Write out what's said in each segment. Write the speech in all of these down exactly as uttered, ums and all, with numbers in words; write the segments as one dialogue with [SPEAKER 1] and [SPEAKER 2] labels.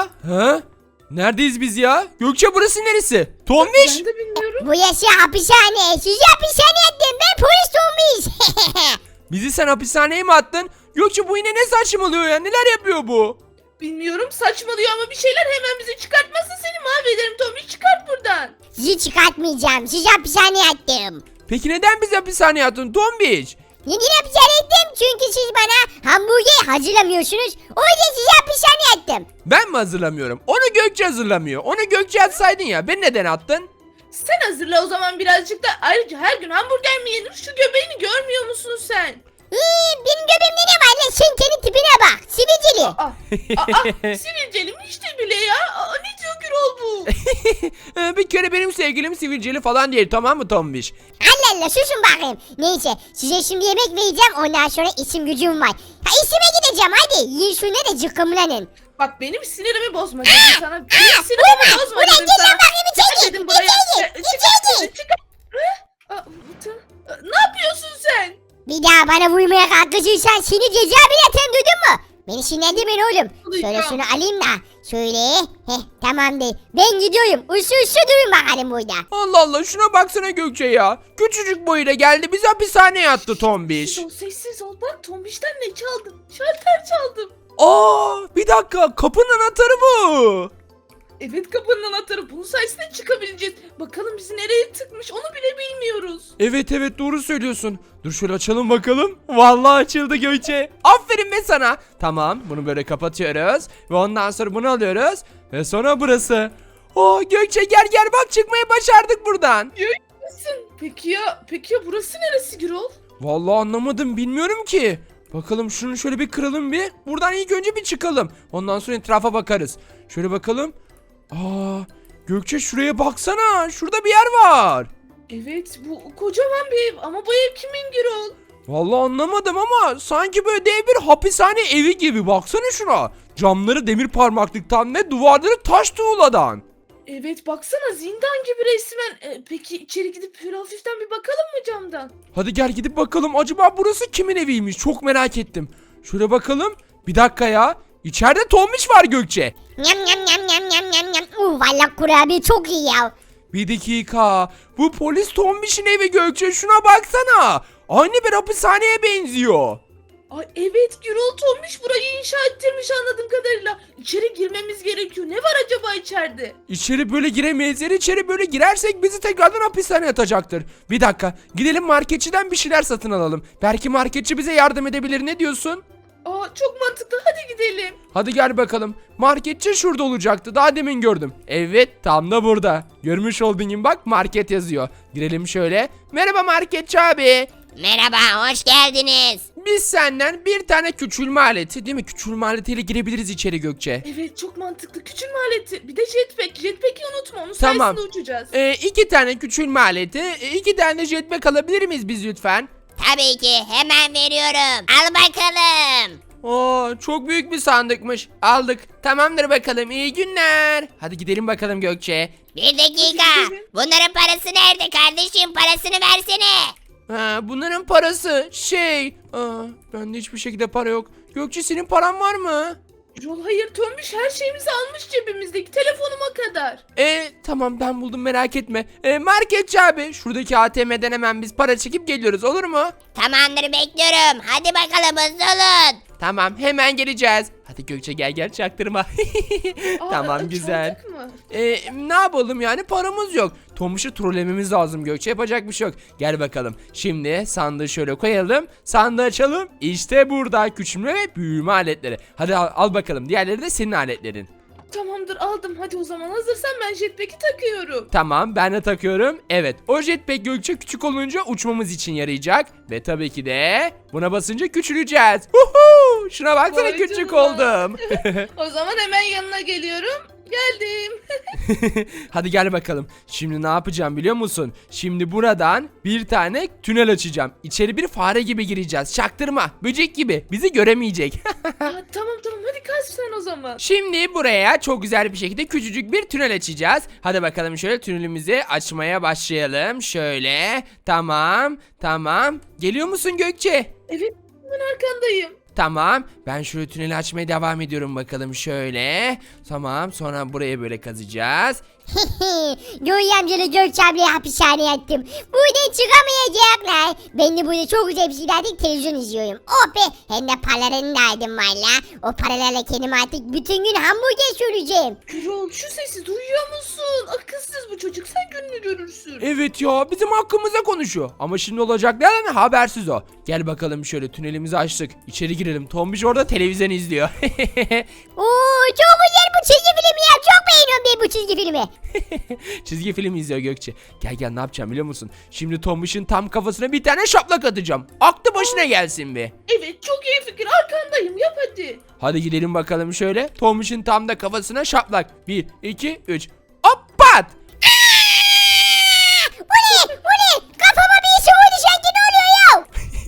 [SPEAKER 1] ya? Ha? Neredeyiz biz ya? Gökçe burası neresi? Tombiş.
[SPEAKER 2] Ben de bilmiyorum.
[SPEAKER 3] Bu yaşı hapishane. Sizi hapishaneye attım. Ben polis olmuş.
[SPEAKER 1] Bizi sen hapishaneye mi attın? Gökçe bu yine ne saçmalıyor ya? Neler yapıyor bu?
[SPEAKER 2] Bilmiyorum, saçmalıyor ama bir şeyler, hemen bizi çıkartmasın, seni mahvederim Tombiş, çıkart buradan.
[SPEAKER 3] Sizi çıkartmayacağım. Sizi hapishaneye attım.
[SPEAKER 1] Peki neden bizi hapishaneye attın Tombiş?
[SPEAKER 3] Neden hapishaneye attım? Çünkü siz bana hamburger hazırlamıyorsunuz. O yüzden sizi hapishaneye attım.
[SPEAKER 1] Ben mi hazırlamıyorum? Onu Gökçe hazırlamıyor. Onu Gökçe atsaydın ya. Beni neden attın?
[SPEAKER 2] Sen hazırla o zaman birazcık da, ayrıca her gün hamburger mi yenir? Şu göbeğini görmüyor musun sen?
[SPEAKER 3] İyi, benim göbeğimde ne var lan? Sen kendi tipine bak. Sivilceli.
[SPEAKER 2] Aa, aa, sivilcelim işte bile ya. Aa, ne diyor Gürol bu?
[SPEAKER 1] Ee, bir kere benim sevgilim sivilceli falan değil, tamam mı Tombiş?
[SPEAKER 3] Allah Allah, susun bakayım. Neyse, size şimdi yemek vereceğim. Ondan sonra isim gücüm var. Ha, isime gideceğim, hadi. Yiyin şunu da cıkkımlanın.
[SPEAKER 2] Bak benim sinirimi bozma dedim sana. Benim sinirimi bozma
[SPEAKER 3] Ulan
[SPEAKER 2] dedim
[SPEAKER 3] gel
[SPEAKER 2] sana.
[SPEAKER 3] lan bakayım içeri.
[SPEAKER 2] Çıkar dedim buraya.
[SPEAKER 3] İçeri,
[SPEAKER 2] Çıkar,
[SPEAKER 3] içeri.
[SPEAKER 2] çıkar, çıkar. Aa, Umut'a- Ne yapıyorsun sen?
[SPEAKER 3] Bir daha bana vurmaya kalkışırsan seni cezaevine atarım, duydun mu? Beni sinirlendirmeyin oğlum. Şöyle
[SPEAKER 2] Duyacağım.
[SPEAKER 3] şunu alayım da. Şöyle. Heh, tamamdır. Ben gidiyorum. Usu usu durun bakalım burada.
[SPEAKER 1] Allah Allah, şuna baksana Gökçe ya. Küçücük boyuyla geldi, bizi hapishaneye attı Tombiş.
[SPEAKER 2] Sessiz ol, sessiz ol. Bak Tombiş'ten ne çaldım? Şalter çaldım.
[SPEAKER 1] Aa, bir dakika, kapının anahtarı bu.
[SPEAKER 2] Evet, kapının anahtarı. Bunun sayesinde çıkabileceğiz. Bakalım bizi nereye tıkmış, onu bile bilmiyoruz.
[SPEAKER 1] Evet evet, doğru söylüyorsun. Dur şöyle açalım bakalım. Vallahi açıldı Gökçe. Aferin be sana. Tamam, bunu böyle kapatıyoruz. Ve ondan sonra bunu alıyoruz. Ve sonra burası. Oo Gökçe, gel gel bak, çıkmayı başardık buradan.
[SPEAKER 2] Nasılsın? Peki ya, peki ya burası neresi Gürol?
[SPEAKER 1] Vallahi anlamadım, bilmiyorum ki. Bakalım şunu şöyle bir kıralım bir. Buradan ilk önce bir çıkalım. Ondan sonra etrafa bakarız. Şöyle bakalım. Aa Gökçe, şuraya baksana. Şurada bir yer var.
[SPEAKER 2] Evet, bu kocaman bir ev ama bu ev kimin Gürol?
[SPEAKER 1] Vallahi anlamadım ama sanki böyle dev bir hapishane evi gibi. Baksana şuna. Camları demir parmaklıktan ve duvarları taş tuğladan.
[SPEAKER 2] Evet, baksana zindan gibi resmen. Ee, peki içeri gidip şöyle hafiften bir bakalım mı camdan?
[SPEAKER 1] Hadi gel gidip bakalım. Acaba burası kimin eviymiş? Çok merak ettim. Şöyle bakalım. Bir dakika ya. İçeride Tombiş var Gökçe.
[SPEAKER 3] Nyam nyam nyam nyam nyam nyam nyam. Uh, valla kurabiye çok iyi ya.
[SPEAKER 1] Bir dakika. Bu polis Tombiş'in evi Gökçe. Şuna baksana. Aynı bir hapishaneye benziyor.
[SPEAKER 2] Ay evet, Gürol Tombiş burayı inşa ettirmiş anladığım kadarıyla. İçeri girmemiz gerekiyor. Ne var acaba içeride?
[SPEAKER 1] İçeri böyle giremeyiz. Eğer içeri böyle girersek bizi tekrardan hapishaneye atacaktır. Bir dakika. Gidelim marketçiden bir şeyler satın alalım. Belki marketçi bize yardım edebilir. Ne diyorsun?
[SPEAKER 2] Aa, çok mantıklı, hadi gidelim.
[SPEAKER 1] Hadi gel bakalım. Marketçi şurada olacaktı. Daha demin gördüm. Evet, tam da burada. Görmüş olduğun gibi bak, market yazıyor. Girelim şöyle. Merhaba marketçi abi.
[SPEAKER 3] Merhaba, hoş geldiniz.
[SPEAKER 1] Biz senden bir tane küçülme aleti, değil mi? Küçülme aletiyle girebiliriz içeri Gökçe.
[SPEAKER 2] Evet, çok mantıklı. Küçülme aleti. Bir de jetpack. Jetpack'i unutma. Onun
[SPEAKER 1] Tamam.
[SPEAKER 2] sayesinde uçacağız.
[SPEAKER 1] Ee, iki tane küçülme aleti, e, iki tane jetpack alabilir miyiz biz lütfen?
[SPEAKER 3] Tabii ki, hemen veriyorum. Al bakalım.
[SPEAKER 1] Oo, çok büyük bir sandıkmış. Aldık. Tamamdır bakalım. İyi günler. Hadi gidelim bakalım Gökçe.
[SPEAKER 3] Bir dakika.
[SPEAKER 2] gidelim.
[SPEAKER 3] Bunların parası nerede kardeşim? Parasını versene.
[SPEAKER 1] Ha, bunların parası şey... Aa, bende hiçbir şekilde para yok. Gökçe, senin paran var mı?
[SPEAKER 2] Gürol, hayır, Tombiş her şeyimizi almış cebimizdeki, telefonuma kadar.
[SPEAKER 1] E tamam, ben buldum, merak etme. E, marketçi abi, şuradaki A T M'den hemen biz para çekip geliyoruz, olur mu?
[SPEAKER 3] Tamamdır, bekliyorum. Hadi bakalım, hızlı olun.
[SPEAKER 1] Tamam, hemen geleceğiz. Hadi Gökçe, gel gel, çaktırma.
[SPEAKER 2] Aa,
[SPEAKER 1] Tamam,
[SPEAKER 2] aa,
[SPEAKER 1] güzel.
[SPEAKER 2] çaldık mı?
[SPEAKER 1] E, ne yapalım yani, paramız yok. Tomuş'u trollememiz lazım Gökçe, yapacak bir şey yok. Gel bakalım. Şimdi sandığı şöyle koyalım. Sandığı açalım. İşte burada küçülme ve büyüme aletleri. Hadi al, al bakalım. Diğerleri de senin aletlerin.
[SPEAKER 2] Tamamdır, aldım. Hadi o zaman, hazırsan ben jetpack'i takıyorum.
[SPEAKER 1] Tamam, ben de takıyorum. Evet, o jetpack Gökçe küçük olunca uçmamız için yarayacak. Ve tabii ki de buna basınca küçüleceğiz. Huhu! Şuna baksana,
[SPEAKER 2] Vay
[SPEAKER 1] küçük
[SPEAKER 2] canına.
[SPEAKER 1] oldum.
[SPEAKER 2] O zaman hemen yanına geliyorum. Geldim.
[SPEAKER 1] Hadi gel bakalım. Şimdi ne yapacağım biliyor musun? Şimdi buradan bir tane tünel açacağım. İçeri bir fare gibi gireceğiz. Çaktırma. Böcek gibi. Bizi göremeyecek.
[SPEAKER 2] Aa, tamam tamam, hadi kaç sen o zaman.
[SPEAKER 1] Şimdi buraya çok güzel bir şekilde küçücük bir tünel açacağız. Hadi bakalım, şöyle tünelimizi açmaya başlayalım. Şöyle. Tamam. Tamam. Geliyor musun Gökçe?
[SPEAKER 2] Evet, ben arkandayım.
[SPEAKER 1] Tamam. Ben şöyle tüneli açmaya devam ediyorum bakalım şöyle. Tamam. Sonra buraya böyle kazacağız.
[SPEAKER 3] Göğü amcalı Gökçe ablayı hapishaneye attım. Buradan çıkamayacaklar. Ben de burada çok güzel bir şeylerden televizyon izliyorum. Oh be, hem de paralarını da aldım valla. O paralarla kendime artık bütün gün hamburger süreceğim.
[SPEAKER 2] Gürol şu sesi duyuyor musun? Akılsız bu çocuk, sen gününü görürsün.
[SPEAKER 1] Evet ya, bizim hakkımıza konuşuyor. Ama şimdi olacaklardan habersiz o. Gel bakalım şöyle, tünelimizi açtık. İçeri girelim. Tombiş orada televizyon izliyor.
[SPEAKER 3] Oo, çok güzel bu çizgi film ya. Çok beğeniyorum ben bu çizgi filmi.
[SPEAKER 1] Çizgi film izliyor Gökçe. Gel gel, ne yapacağım biliyor musun? Şimdi Tombiş'in tam kafasına bir tane şaplak atacağım. Aklı başına gelsin bir.
[SPEAKER 2] Evet, çok iyi fikir, arkandayım, yap hadi.
[SPEAKER 1] Hadi gidelim bakalım şöyle. Tombiş'in tam da kafasına şaplak. Bir, iki, üç. Hop pat!
[SPEAKER 3] Bu ne? Bu ne? Kafama bir şey oldu sanki, ne oluyor ya?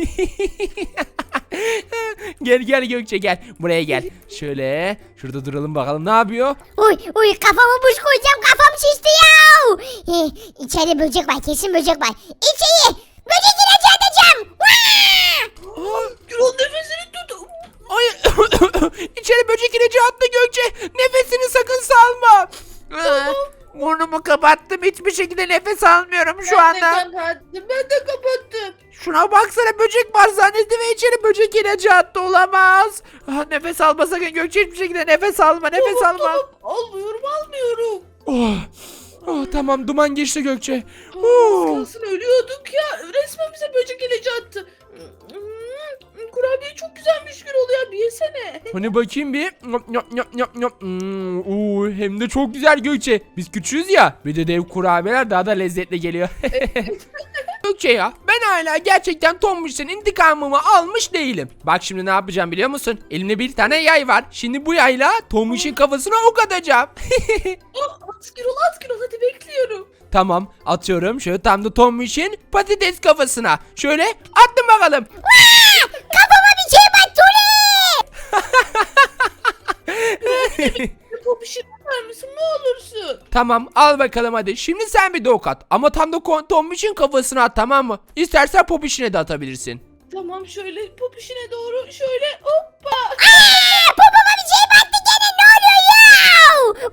[SPEAKER 1] Gel gel Gökçe, gel. Buraya gel. Şöyle şurada duralım bakalım, ne yapıyor?
[SPEAKER 3] Uy uy, kafama buz koyacağım, kafam şişti ya. Eh, içeride böcek var, kesin böcek var. İçeri böcek ilacı atacağım.
[SPEAKER 2] Aa, Gürol nefesini tut.
[SPEAKER 1] Ay, içeri böcek ilacı attı Gökçe. Nefesini sakın salma. Burnumu kapattım. Hiçbir şekilde nefes almıyorum şu
[SPEAKER 2] Ben de
[SPEAKER 1] anda.
[SPEAKER 2] kapattım, ben de kapattım.
[SPEAKER 1] Şuna baksana, böcek var zannetti ve içeri böcek ilacı attı, olamaz. Ah, nefes alma sakın Gökçe, hiçbir şekilde nefes alma, nefes
[SPEAKER 2] Tamam,
[SPEAKER 1] alma.
[SPEAKER 2] tamam. Almıyorum, almıyorum.
[SPEAKER 1] Oh, oh, tamam, duman geçti Gökçe.
[SPEAKER 2] Aa,
[SPEAKER 1] Oh.
[SPEAKER 2] az kalsın ölüyorduk ya. Resmen bize böcek ilacı attı. Hmm, kurabiye çok güzelmiş Gürol ya, bir yesene.
[SPEAKER 1] Hani bakayım bir. Nyop, nyop, nyop, nyop, nyop. Hmm, oo, hem de çok güzel Gökçe. Biz küçüğüz ya. Bir de dev kurabiyeler daha da lezzetli geliyor. Gökçe ya, ben hala gerçekten Tombiş'ten intikamımı almış değilim. Bak şimdi ne yapacağım biliyor musun? Elimde bir tane yay var. Şimdi bu yayla Tombiş'in kafasına ok atacağım.
[SPEAKER 2] Aa, at Gürol, at Gürol, hadi bekliyorum.
[SPEAKER 1] Tamam, atıyorum. Şöyle tam da Tombiş'in patates kafasına. Şöyle attım bakalım.
[SPEAKER 3] Kafama bir şey battı.
[SPEAKER 2] Popişini ver misin, ne olursun?
[SPEAKER 1] Tamam, al bakalım hadi. Şimdi sen bir de ok at. Ama tam da kon- Tombiş'in kafasına at, tamam mı? İstersen Popiş'ine de atabilirsin.
[SPEAKER 2] Tamam, şöyle popişine doğru, şöyle hoppa.
[SPEAKER 3] Aa, popoma bir şey battı gene, ne oluyor ya?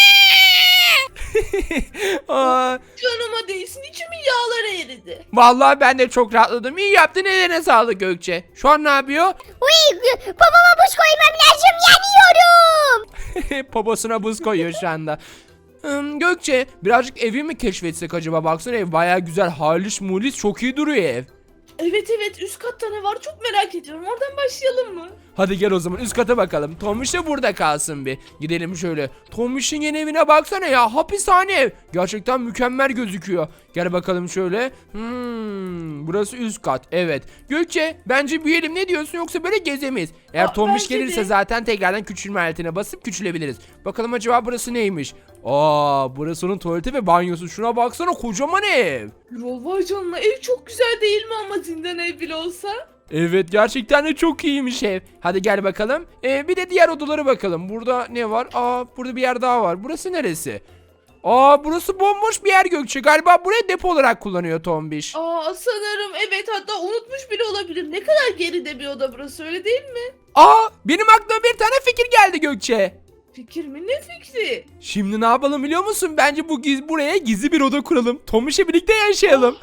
[SPEAKER 1] Aa,
[SPEAKER 2] Canıma değsin, içimin yağları eridi.
[SPEAKER 1] vallahi ben de çok rahatladım. İyi yaptın, eline sağlık Gökçe. Şu an ne yapıyor?
[SPEAKER 3] Uy, popoma buz koymam lazım, yanıyorum.
[SPEAKER 1] Poposuna buz koyuyor şu anda. Hmm, Gökçe, birazcık evi mi keşfetsek acaba? Baksana, ev baya güzel, halis mulis, çok iyi duruyor ev.
[SPEAKER 2] Evet evet, üst katta ne var çok merak ediyorum, oradan başlayalım mı?
[SPEAKER 1] Hadi gel o zaman üst kata bakalım. Tombiş de burada kalsın bir. Gidelim şöyle. Tombiş'in yeni evine baksana ya. Hapishane ev. Gerçekten mükemmel gözüküyor. Gel bakalım şöyle. Hmm, burası üst kat. Evet. Gökçe, bence büyüyelim, ne diyorsun, yoksa böyle gezemeyiz. Eğer
[SPEAKER 2] Aa,
[SPEAKER 1] Tombiş
[SPEAKER 2] bence
[SPEAKER 1] gelirse
[SPEAKER 2] de.
[SPEAKER 1] zaten tekrardan küçülme aletine basıp küçülebiliriz. Bakalım acaba burası neymiş? Aa, burası onun tuvaleti ve banyosu. Şuna baksana, kocaman ev.
[SPEAKER 2] Yol vay canına, ev çok güzel değil mi ama zindan ev bile olsa?
[SPEAKER 1] Evet, gerçekten de çok iyiymiş ev. Hadi gel bakalım. Ee, bir de diğer odalara bakalım. Burada ne var? Aa, burada bir yer daha var. Burası neresi? Aa, burası bomboş bir yer Gökçe. Galiba burayı depo olarak kullanıyor Tombiş.
[SPEAKER 2] Aa, sanırım evet, hatta unutmuş bile olabilir. Ne kadar geride bir oda burası, öyle değil mi?
[SPEAKER 1] Aa, benim aklıma bir tane fikir geldi Gökçe.
[SPEAKER 2] Fikir mi, ne fikri?
[SPEAKER 1] Şimdi ne yapalım biliyor musun? Bence bu giz buraya gizli bir oda kuralım. Tombiş'le birlikte yaşayalım.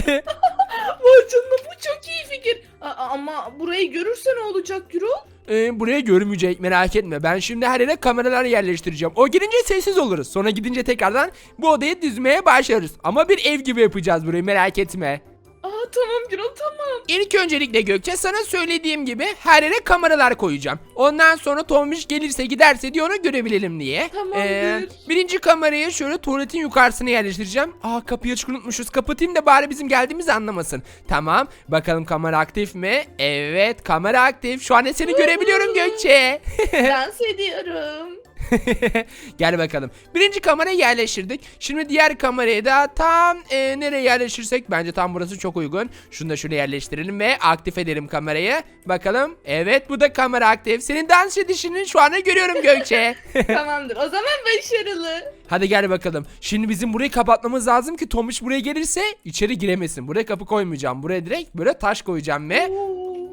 [SPEAKER 2] Vay canına, bu çok iyi fikir. Aa, ama burayı görürse ne olacak Gürol?
[SPEAKER 1] Ee, buraya görmeyecek, merak etme. Ben şimdi her yere kameralar yerleştireceğim. O girince sessiz oluruz. Sonra gidince tekrardan bu odayı dizmeye başlarız. Ama bir ev gibi yapacağız burayı, merak etme.
[SPEAKER 2] Aa, tamam Gürol, tamam.
[SPEAKER 1] İlk öncelikle Gökçe, sana söylediğim gibi her yere kameralar koyacağım. Ondan sonra Tombiş gelirse giderse diye onu görebilelim diye.
[SPEAKER 2] Tamamdır.
[SPEAKER 1] birinci kamerayı şöyle tuvaletin yukarısına yerleştireceğim. Aa, kapıyı açık unutmuşuz. Kapatayım da bari bizim geldiğimizi anlamasın. Tamam. Bakalım kamera aktif mi? Evet, kamera aktif. Şu an seni görebiliyorum Gökçe.
[SPEAKER 2] Dans ediyorum.
[SPEAKER 1] Gel bakalım. Birinci kamerayı yerleştirdik. Şimdi diğer kamerayı da tam e, nereye yerleştirsek, bence tam burası çok uygun. Şunu da şöyle yerleştirelim ve aktif edelim kamerayı. Bakalım. Evet, bu da kamera aktif. Senin dans edişini şu anda görüyorum Gökçe.
[SPEAKER 2] Tamamdır, o zaman başarılı.
[SPEAKER 1] Hadi gel bakalım. Şimdi bizim burayı kapatmamız lazım ki Tomuş buraya gelirse içeri giremesin. Buraya kapı koymayacağım. Buraya direkt böyle taş koyacağım ve
[SPEAKER 2] Oo.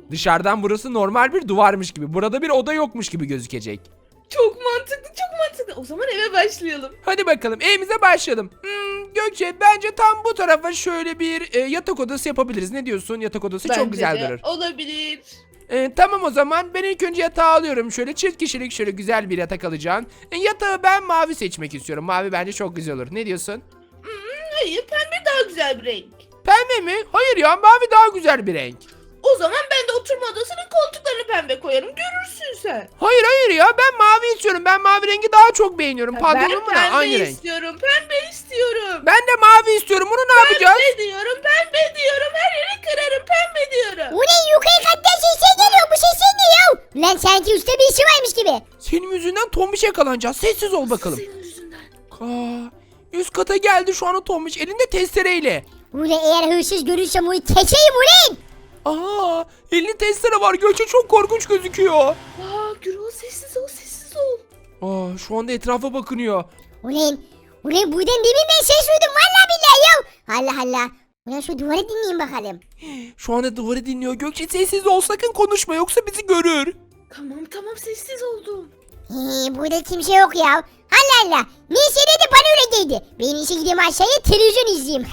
[SPEAKER 1] Dışarıdan burası normal bir duvarmış gibi. Burada bir oda yokmuş gibi gözükecek.
[SPEAKER 2] Çok mantıklı, çok mantıklı. O zaman eve başlayalım.
[SPEAKER 1] Hadi bakalım evimize başlayalım. Hmm, Gökçe bence tam bu tarafa şöyle bir e, yatak odası yapabiliriz. Ne diyorsun? Yatak odası çok
[SPEAKER 2] Bence
[SPEAKER 1] güzel
[SPEAKER 2] de
[SPEAKER 1] durur.
[SPEAKER 2] olabilir.
[SPEAKER 1] E, tamam o zaman ben ilk önce yatağı alıyorum. Şöyle çift kişilik şöyle güzel bir yatak alacağım. E, yatağı ben mavi seçmek istiyorum. Mavi bence çok güzel olur. Ne diyorsun?
[SPEAKER 2] Hayır, pembe daha güzel bir renk.
[SPEAKER 1] Pembe mi? Hayır ya mavi daha güzel bir renk.
[SPEAKER 2] O zaman ben de oturma odasının koltuklarını pembe koyarım. Görürsün sen.
[SPEAKER 1] Hayır hayır ya ben mavi istiyorum. Ben mavi rengi daha çok beğeniyorum.
[SPEAKER 2] Ben
[SPEAKER 1] Pantolonumla
[SPEAKER 2] pembe
[SPEAKER 1] aynı renk.
[SPEAKER 2] istiyorum. Pembe istiyorum.
[SPEAKER 1] Ben de mavi istiyorum. Bunu ne yapacağız?
[SPEAKER 2] Pembe diyorum. Pembe diyorum. Her yeri kırarım. Pembe diyorum.
[SPEAKER 3] Bu ne yukarı kattan sesler geliyor bu sesler ne ya? Lan sanki üstte bir işi varmış gibi.
[SPEAKER 1] Senin yüzünden tombiş yakalanacağız. Sessiz ol bakalım.
[SPEAKER 2] Senin yüzünden.
[SPEAKER 1] Aa, üst kata geldi şu an o tombiş elinde testereyle.
[SPEAKER 3] Ulan eğer hırsız görürsem onu keçeyim ulan.
[SPEAKER 1] Aa, elinde testere var. Gökçe çok korkunç gözüküyor.
[SPEAKER 2] Aa, Gürol sessiz ol, sessiz ol.
[SPEAKER 1] Aa, şu anda etrafa bakınıyor.
[SPEAKER 3] Ulan, ulan buradan demin ben ses duydum valla billahi ya. Allah Allah. Ulan şu duvarı dinleyin bakalım.
[SPEAKER 1] Şu anda duvarı dinliyor. Gökçe sessiz ol sakın konuşma yoksa bizi görür.
[SPEAKER 2] Tamam tamam sessiz oldum.
[SPEAKER 3] Hii, burada kimse yok ya. Allah Allah. Neyse dedi bana öyle dedi. Ben işe gideyim aşağıya televizyon izleyeyim.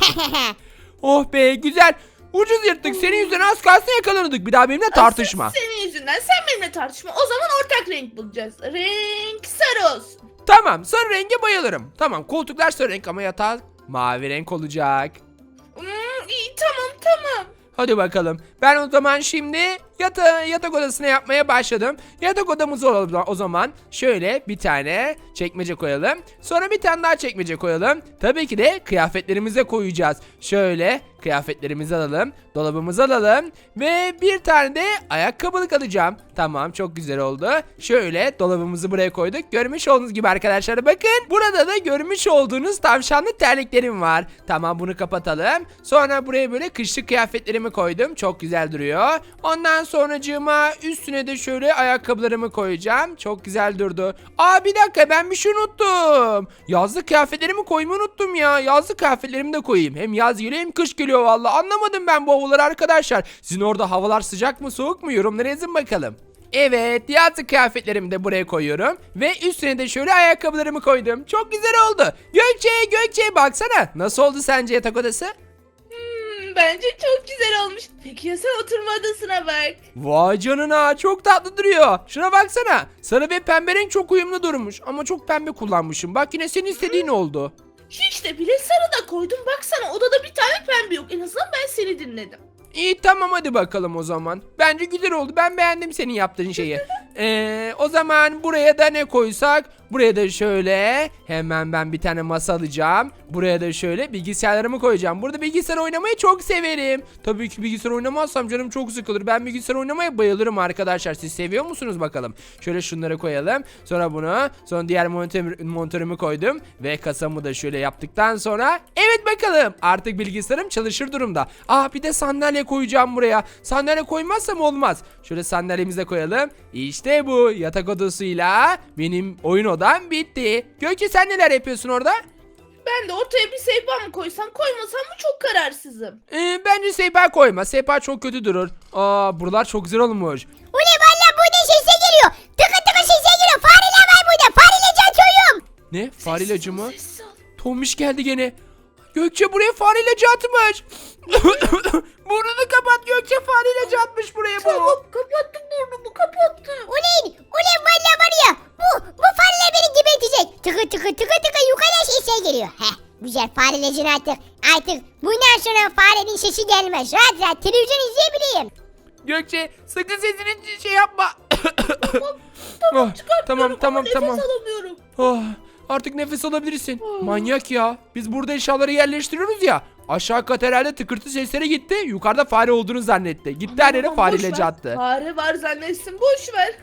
[SPEAKER 1] Oh be güzel. Ucuz yırttık. Senin yüzünden az kalsın yakalanırdık. Bir daha benimle tartışma.
[SPEAKER 2] Asıl senin yüzünden. Sen benimle tartışma. O zaman ortak renk bulacağız. Renk sarı olsun.
[SPEAKER 1] Tamam sarı renge bayılırım. Tamam koltuklar sarı renk ama yatak mavi renk olacak.
[SPEAKER 2] Hmm, iyi tamam tamam.
[SPEAKER 1] Hadi bakalım. Ben o zaman şimdi yata yatak odasına yapmaya başladım. Yatak odamız olalım o zaman. Şöyle bir tane çekmece koyalım. Sonra bir tane daha çekmece koyalım. Tabii ki de kıyafetlerimize koyacağız. Şöyle kıyafetlerimizi alalım. Dolabımızı alalım. Ve bir tane de ayakkabılık alacağım. Tamam çok güzel oldu. Şöyle dolabımızı buraya koyduk. Görmüş olduğunuz gibi arkadaşlar bakın. Burada da görmüş olduğunuz tavşanlı terliklerim var. Tamam bunu kapatalım. Sonra buraya böyle kışlık kıyafetlerimi koydum. Çok güzel duruyor. Ondan sonracığıma üstüne de şöyle ayakkabılarımı koyacağım. Çok güzel durdu. Aa bir dakika ben bir şey unuttum. Yazlık kıyafetlerimi koymayı unuttum ya. Yazlık kıyafetlerimi de koyayım. Hem yaz geliyor hem kış geliyor valla. Anlamadım ben bu havaları arkadaşlar. Sizin orada havalar sıcak mı soğuk mu? Yorumlara yazın bakalım. Evet yazlık kıyafetlerimi de buraya koyuyorum. Ve üstüne de şöyle ayakkabılarımı koydum. Çok güzel oldu. Gökçe Gökçe baksana. Nasıl oldu sence yatak odası?
[SPEAKER 2] Hmm, bence çok güzel olmuş. Peki ya sen oturma odasına bak.
[SPEAKER 1] Vay canına çok tatlı duruyor. Şuna baksana. Sarı ve pembe renk çok uyumlu durmuş. Ama çok pembe kullanmışım. Bak yine senin istediğin oldu.
[SPEAKER 2] Hiç de bile sarı da koydum. Baksana odada bir tane pembe yok. En azından ben seni dinledim.
[SPEAKER 1] İyi tamam hadi bakalım o zaman. Bence güzel oldu. Ben beğendim senin yaptığın şeyi. Ee, o zaman buraya da ne koysak? Buraya da şöyle hemen ben bir tane masa alacağım. Buraya da şöyle bilgisayarlarımı koyacağım. Burada bilgisayar oynamayı çok severim. Tabii ki bilgisayar oynamazsam canım çok sıkılır. Ben bilgisayar oynamaya bayılırım arkadaşlar. Siz seviyor musunuz bakalım? Şöyle şunları koyalım. Sonra bunu. Sonra diğer monitör, monitörümü koydum. Ve kasamı da şöyle yaptıktan sonra. Evet bakalım. Artık bilgisayarım çalışır durumda. Aa bir de sandalye koyacağım buraya. Sandalye koymazsam olmaz. Şöyle sandalyemizi de koyalım. İşte bu yatak odasıyla benim oyun odam bitti. Gökçe sen neler yapıyorsun orada?
[SPEAKER 2] Ben de ortaya bir sehpa mı koysam koymasam mı çok kararsızım.
[SPEAKER 1] Ee, bence sehpa koyma. Sehpa çok kötü durur. Aa buralar çok güzel olmuş.
[SPEAKER 3] Ulan valla burada sesler geliyor. Tıkı tıkı sesler geliyor. Fareler var burada. Fareyle çatıyorum.
[SPEAKER 1] Ne? Fare
[SPEAKER 2] Sessiz
[SPEAKER 1] ilacı
[SPEAKER 2] ol,
[SPEAKER 1] mı?
[SPEAKER 2] sessiz ol.
[SPEAKER 1] Tombiş geldi gene. Gökçe buraya fare ilacı atmış. Burnunu kapat Gökçe fare ilacı atmış buraya bu.
[SPEAKER 2] Tamam kapattım burnumu kapattım.
[SPEAKER 3] Ulan ulan valla var ya. Bu, bu fareler beni gebertecek. Tıkı tıkı tıkı tıkı yukarıdan sesler geliyor. Heh güzel farelecin artık. Artık bundan sonra farenin sesi gelmez. Rahat rahat televizyon izleyebileyim.
[SPEAKER 1] Gökçe sakın sesini şey yapma.
[SPEAKER 2] Tamam tamam
[SPEAKER 1] Ah,
[SPEAKER 2] çıkartıyorum
[SPEAKER 1] tamam,
[SPEAKER 2] ama
[SPEAKER 1] tamam,
[SPEAKER 2] nefes
[SPEAKER 1] tamam.
[SPEAKER 2] alamıyorum.
[SPEAKER 1] Ah, artık nefes alabilirsin. Manyak ya. Biz burada eşyaları yerleştiriyoruz ya. Aşağı kat herhalde tıkırtı sesleri gitti. Yukarıda fare olduğunu zannetti. Gitti her yere
[SPEAKER 2] Aman,
[SPEAKER 1] fare
[SPEAKER 2] boş
[SPEAKER 1] ilacı
[SPEAKER 2] ver.
[SPEAKER 1] attı.
[SPEAKER 2] Fare var zannetsin boş ver.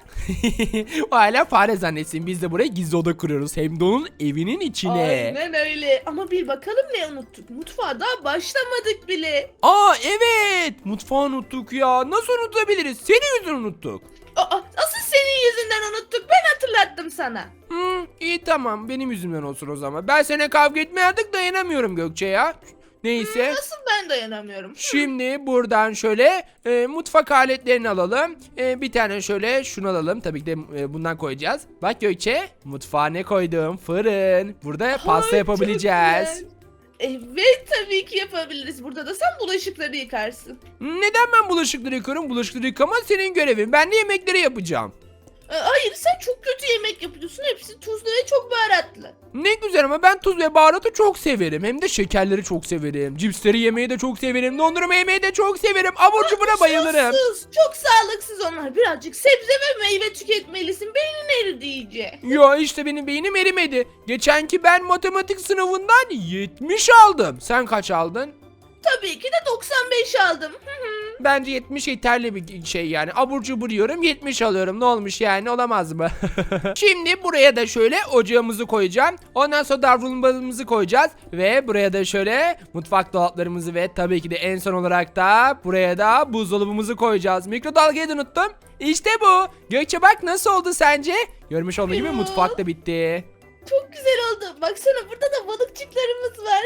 [SPEAKER 1] O hala fare zannetsin. Biz de buraya gizli oda kuruyoruz. Hem de onun evinin içine.
[SPEAKER 2] Aynen öyle. Ama bir bakalım ne unuttuk. Mutfağa daha başlamadık bile.
[SPEAKER 1] Aa evet. Mutfağı unuttuk ya. Nasıl unutabiliriz? Senin yüzünden unuttuk.
[SPEAKER 2] Aa, asıl senin yüzünden unuttuk. Ben hatırlattım sana.
[SPEAKER 1] Hmm, iyi tamam. Benim yüzümden olsun o zaman. Ben seninle kavga etmeye artık dayanamıyorum Gökçe ya. Neyse.
[SPEAKER 2] Nasıl ben dayanamıyorum?
[SPEAKER 1] Şimdi buradan şöyle e, mutfak aletlerini alalım. E, bir tane şöyle şunu alalım. Tabii ki de e, bundan koyacağız. Bak Gökçe, mutfağa ne koydum? Fırın. Burada pasta
[SPEAKER 2] Ay,
[SPEAKER 1] yapabileceğiz.
[SPEAKER 2] çok güzel. Evet tabii ki yapabiliriz. Burada da sen bulaşıkları yıkarsın.
[SPEAKER 1] Neden ben bulaşıkları yıkıyorum? Bulaşıkları yıkamak senin görevin. Ben de yemekleri yapacağım.
[SPEAKER 2] Ee, Hayır sen çok kötü yemek yapıyorsun. Hepsi tuzlu ve çok baharatlı.
[SPEAKER 1] Ne güzel ama ben tuz ve baharatı çok severim. Hem de şekerleri çok severim. Cipsleri yemeyi de çok severim. Dondurma yemeyi de çok severim. Abur cubura bayılırım.
[SPEAKER 2] Sus, çok sağlıksız onlar. Birazcık sebze ve meyve tüketmelisin. Beynin eridi iyice.
[SPEAKER 1] Ya işte benim beynim erimedi. Geçenki ben matematik sınavından yetmiş aldım. Sen kaç aldın?
[SPEAKER 2] Tabii ki de doksan beş aldım. Hı hı.
[SPEAKER 1] Bence yetmiş yeterli bir şey yani. Abur cubur yiyorum yetmiş alıyorum. Ne olmuş yani, olamaz mı? Şimdi buraya da şöyle ocağımızı koyacağım. Ondan sonra davlumbazımızı koyacağız. Ve buraya da şöyle mutfak dolaplarımızı ve tabii ki de en son olarak da buraya da buzdolabımızı koyacağız. Mikrodalgayı da unuttum. İşte bu. Gökçe bak nasıl oldu sence? Görmüş olduğun gibi
[SPEAKER 2] Ya.
[SPEAKER 1] mutfak da bitti.
[SPEAKER 2] Çok güzel oldu. Baksana burada da balıkçıklarımız var.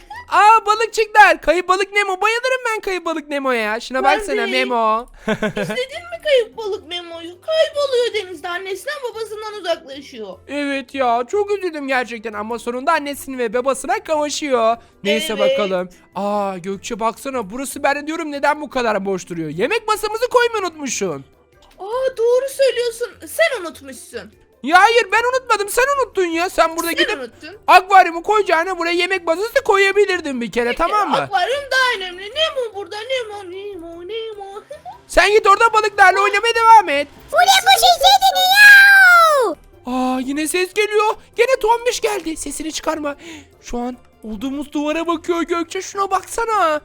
[SPEAKER 1] Aa, balıkçıklar. Kayıp balık Nemo. Bayılırım ben kayıp balık Nemo'ya. Şuna
[SPEAKER 2] Ben
[SPEAKER 1] baksana
[SPEAKER 2] de.
[SPEAKER 1] Memo.
[SPEAKER 2] İzledin mi kayıp balık Memo'yu? Kayboluyor denizde. Annesinden babasından uzaklaşıyor.
[SPEAKER 1] Evet ya, çok üzüldüm gerçekten ama sonunda annesini ve babasına kavuşuyor. Neyse
[SPEAKER 2] Evet.
[SPEAKER 1] bakalım. Aa Gökçe baksana, burası, ben de diyorum neden bu kadar boş duruyor. Yemek masamızı koymayı unutmuşsun.
[SPEAKER 2] Aa doğru söylüyorsun. Sen unutmuşsun.
[SPEAKER 1] Ya hayır, ben unutmadım, sen unuttun ya. Sen burada
[SPEAKER 2] Sen
[SPEAKER 1] gidip
[SPEAKER 2] unuttun.
[SPEAKER 1] akvaryumu koyacağına buraya yemek masası koyabilirdin bir kere, tamam mı?
[SPEAKER 2] Akvaryum daha önemli. Nemo burada. Nemo, Nemo, Nemo.
[SPEAKER 1] Sen git orada balıklarla oynamaya devam et.
[SPEAKER 3] Bu ne bu şey sesini ya?
[SPEAKER 1] Aa yine ses geliyor. Gene Tombiş geldi. Sesini çıkarma. Şu an olduğumuz duvara bakıyor Gökçe. Şuna baksana.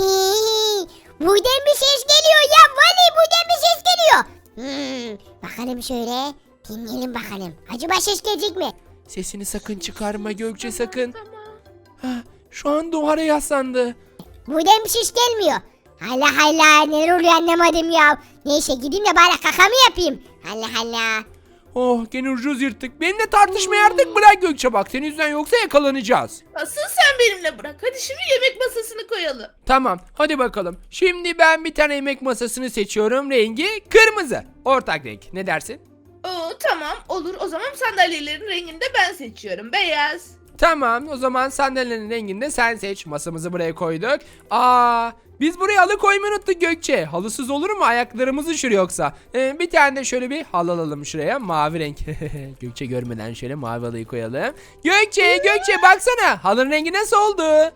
[SPEAKER 3] Hii, buradan bir ses geliyor ya. Vallahi buradan bir ses geliyor. Hmm, bakalım şöyle. Dinleyelim bakalım. Acaba ses gelecek mi?
[SPEAKER 1] Sesini sakın çıkarma Gökçe, sakın.
[SPEAKER 2] Tamam.
[SPEAKER 1] Ha, şu an duvara yaslandı.
[SPEAKER 3] Buradan bir ses gelmiyor. Allah Allah, neler oluyor anlamadım ya. Neyse gideyim de bari kakamı yapayım. Allah Allah.
[SPEAKER 1] Oh gene ucuz yırttık. Benimle tartışmayı artık bırak Gökçe, bak. Senin yüzünden yoksa yakalanacağız.
[SPEAKER 2] Asıl sen benimle bırak. Hadi şimdi yemek masasını koyalım.
[SPEAKER 1] Tamam hadi bakalım. Şimdi ben bir tane yemek masasını seçiyorum. Rengi kırmızı. Ortak renk. Ne dersin?
[SPEAKER 2] Oo tamam olur. O zaman sandalyelerin rengini de ben seçiyorum. Beyaz.
[SPEAKER 1] Tamam, o zaman sandalyelerin rengini de sen seç. Masamızı buraya koyduk. Aa, biz buraya halı koymayı unuttuk Gökçe. Halısız olur mu? Ayaklarımız üşür yoksa. Ee, bir tane de şöyle bir halı alalım şuraya. Mavi renk. Gökçe görmeden şöyle mavi halıyı koyalım. Gökçe, Gökçe baksana. Halının rengi nasıl oldu?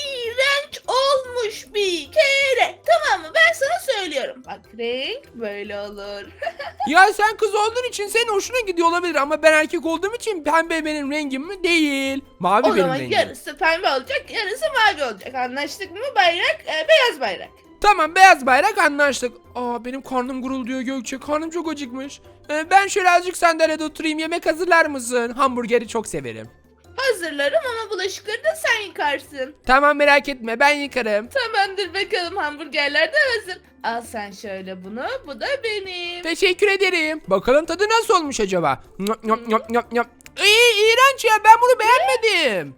[SPEAKER 2] İğrenç olmuş bir kere. Tamam mı? Ben sana söylüyorum. Bak renk böyle olur.
[SPEAKER 1] Ya sen kız olduğun için senin hoşuna gidiyor olabilir ama ben erkek olduğum için pembe benim rengim mi? Değil. Mavi
[SPEAKER 2] O
[SPEAKER 1] benim
[SPEAKER 2] zaman
[SPEAKER 1] rengim.
[SPEAKER 2] yarısı pembe olacak, yarısı mavi olacak. Anlaştık mı? Bayrak, e, beyaz bayrak.
[SPEAKER 1] Tamam, beyaz bayrak, anlaştık. Aa benim karnım gurulduyor Gökçe. Karnım çok acıkmış. Ee, ben şöyle azıcık sandalyede oturayım. Yemek hazırlar mısın? Hamburgeri çok severim.
[SPEAKER 2] Hazırlarım ama bulaşıkları da sen yıkarsın.
[SPEAKER 1] Tamam, merak etme, ben yıkarım.
[SPEAKER 2] Tamamdır bakalım, hamburgerler de hazır. Al sen şöyle bunu, bu da benim.
[SPEAKER 1] Teşekkür ederim. Bakalım tadı nasıl olmuş acaba? Nyop, nyop, nyop, nyop, nyop. İyi, iğrenç ya, ben bunu beğenmedim.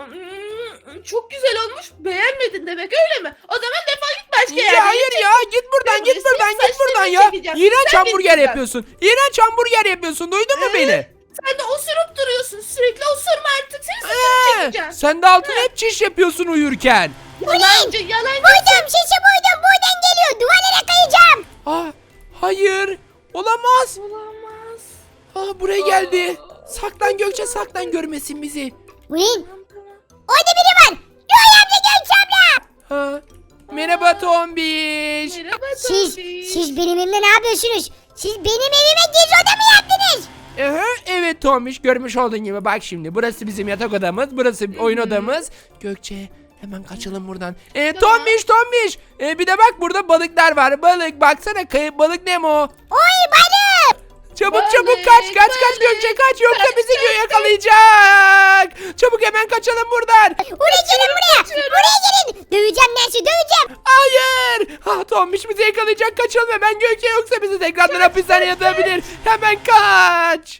[SPEAKER 2] Hmm, Çok güzel olmuş. Beğenmedin demek öyle mi? O zaman defol git başka yere.
[SPEAKER 1] Ya hayır ya, git buradan,
[SPEAKER 2] Ben
[SPEAKER 1] git
[SPEAKER 2] buraya
[SPEAKER 1] buradan,
[SPEAKER 2] senin
[SPEAKER 1] git buradan
[SPEAKER 2] saçlarını
[SPEAKER 1] ya.
[SPEAKER 2] çekeceğim.
[SPEAKER 1] İğrenç
[SPEAKER 2] Sen
[SPEAKER 1] hamburger
[SPEAKER 2] gideceksin.
[SPEAKER 1] yapıyorsun. İğrenç hamburger yapıyorsun. Duydun mu
[SPEAKER 2] Ee?
[SPEAKER 1] beni?
[SPEAKER 2] Sen de osurup duruyorsun. Sürekli osurma artık. Seni saçını
[SPEAKER 1] Ee,
[SPEAKER 2] çekeceğim.
[SPEAKER 1] sen de altına hep çiş yapıyorsun uyurken.
[SPEAKER 2] Yalancı yalancı.
[SPEAKER 3] Buydum sesi buydum. Buradan geliyor. Duvarlara kayacağım.
[SPEAKER 1] Ah, hayır. Olamaz.
[SPEAKER 2] Olamaz.
[SPEAKER 1] Ah, buraya geldi. Saklan Gökçe, saklan, görmesin bizi.
[SPEAKER 3] Ulan orada biri var. Yoy amca genç abla.
[SPEAKER 1] Ha. Merhaba Tombiş.
[SPEAKER 2] Merhaba
[SPEAKER 3] Siz,
[SPEAKER 2] Tombiş.
[SPEAKER 3] siz benim evimde ne yapıyorsunuz? Siz benim evime gizli oda mı yaptınız?
[SPEAKER 1] Aha, evet Tombiş, görmüş olduğun gibi bak şimdi. Burası bizim yatak odamız, burası oyun odamız. Gökçe, hemen kaçalım buradan. Ee,
[SPEAKER 2] Tamam.
[SPEAKER 1] Tombiş, Tombiş. Ee, bir de bak burada balıklar var. Balık, baksana, kayıp balık Nemo.
[SPEAKER 3] Oy balık.
[SPEAKER 1] Çabuk
[SPEAKER 2] Balık,
[SPEAKER 1] çabuk kaç, kaç kaç
[SPEAKER 2] balık.
[SPEAKER 1] Gökçe, kaç, yoksa
[SPEAKER 2] Kaç,
[SPEAKER 1] bizi
[SPEAKER 2] kaç,
[SPEAKER 1] yakalayacak. Çabuk hemen kaçalım buradan.
[SPEAKER 3] Buraya gelin buraya.
[SPEAKER 2] kaçıyorum.
[SPEAKER 3] Buraya gelin. Döveceğim Nancy döveceğim.
[SPEAKER 1] Hayır. Ha, Tombiş bizi yakalayacak, kaçalım hemen Gökçe, yoksa bizi tekrardan hapishaneye atabilir. Hemen kaç.